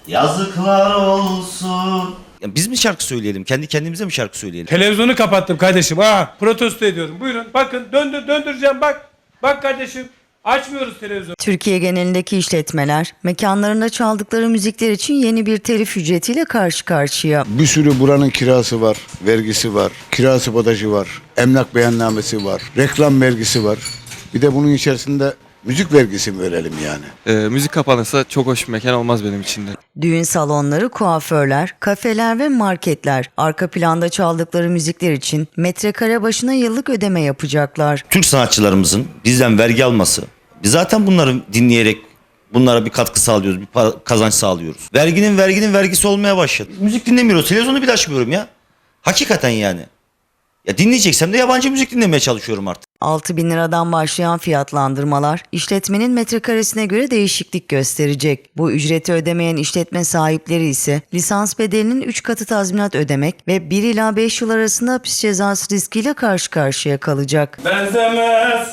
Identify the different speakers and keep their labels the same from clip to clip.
Speaker 1: Yazıklar olsun. Ya biz mi şarkı söyleyelim? Kendi kendimize mi şarkı söyleyelim?
Speaker 2: Televizyonu kapattım kardeşim. Protesto ediyorum. Buyurun bakın döndüreceğim bak. Bak kardeşim. Açmıyoruz televizyonu.
Speaker 3: Türkiye genelindeki işletmeler mekanlarında çaldıkları müzikler için yeni bir telif ücretiyle karşı karşıya.
Speaker 4: Bir sürü buranın kirası var, vergisi var, kira sabotajı var, emlak beyannamesi var, reklam vergisi var. Bir de bunun içerisinde müzik vergisi mi verelim yani?
Speaker 5: Müzik kapanırsa çok hoş bir mekan olmaz benim için de.
Speaker 3: Düğün salonları, kuaförler, kafeler ve marketler arka planda çaldıkları müzikler için metrekare başına yıllık ödeme yapacaklar.
Speaker 1: Türk sanatçılarımızın bizden vergi alması. Biz zaten bunları dinleyerek bunlara bir katkı sağlıyoruz, bir kazanç sağlıyoruz. Verginin vergisi olmaya başladı. Müzik dinlemiyoruz, televizyonu bile açmıyorum ya. Hakikaten yani. Ya dinleyeceksem de yabancı müzik dinlemeye çalışıyorum artık.
Speaker 3: 6.000 liradan başlayan fiyatlandırmalar işletmenin metrekaresine göre değişiklik gösterecek. Bu ücreti ödemeyen işletme sahipleri ise lisans bedelinin 3 katı tazminat ödemek ve 1 ila 5 yıl arasında hapis cezası riskiyle karşı karşıya kalacak.
Speaker 2: Benzemez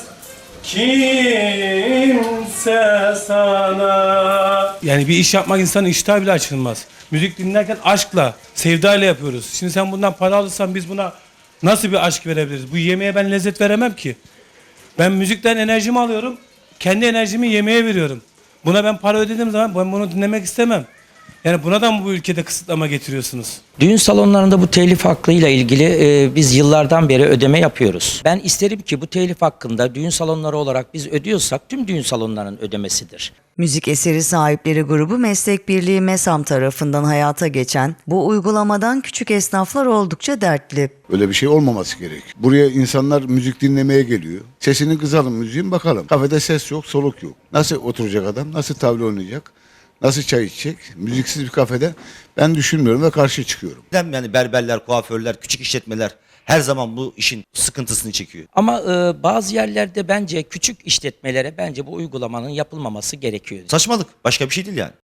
Speaker 2: kimse sana. Yani bir iş yapmak insanın iştahı bile açılmaz. Müzik dinlerken aşkla, sevdayla yapıyoruz. Şimdi sen bundan para alırsan biz buna nasıl bir aşk verebiliriz? Bu yemeğe ben lezzet veremem ki. Ben müzikten enerjimi alıyorum. Kendi enerjimi yemeğe veriyorum. Buna ben para ödediğim zaman ben bunu dinlemek istemem. Yani buna da mı bu ülkede kısıtlama getiriyorsunuz?
Speaker 6: Düğün salonlarında bu telif hakkıyla ilgili biz yıllardan beri ödeme yapıyoruz. Ben isterim ki bu telif hakkında düğün salonları olarak biz ödüyorsak tüm düğün salonlarının ödemesidir.
Speaker 3: Müzik eseri sahipleri grubu Meslek Birliği MESAM tarafından hayata geçen bu uygulamadan küçük esnaflar oldukça dertli.
Speaker 4: Öyle bir şey olmaması gerek. Buraya insanlar müzik dinlemeye geliyor. Sesini kısalım müziğin bakalım. Kafede ses yok, soluk yok. Nasıl oturacak adam, nasıl tavla oynayacak, nasıl çay içecek? Müziksiz bir kafede ben düşünmüyorum ve karşı çıkıyorum.
Speaker 1: Yani berberler, kuaförler, küçük işletmeler her zaman bu işin sıkıntısını çekiyor.
Speaker 6: Ama bazı yerlerde bence küçük işletmelere bence bu uygulamanın yapılmaması gerekiyor.
Speaker 1: Saçmalık. Başka bir şey değil yani.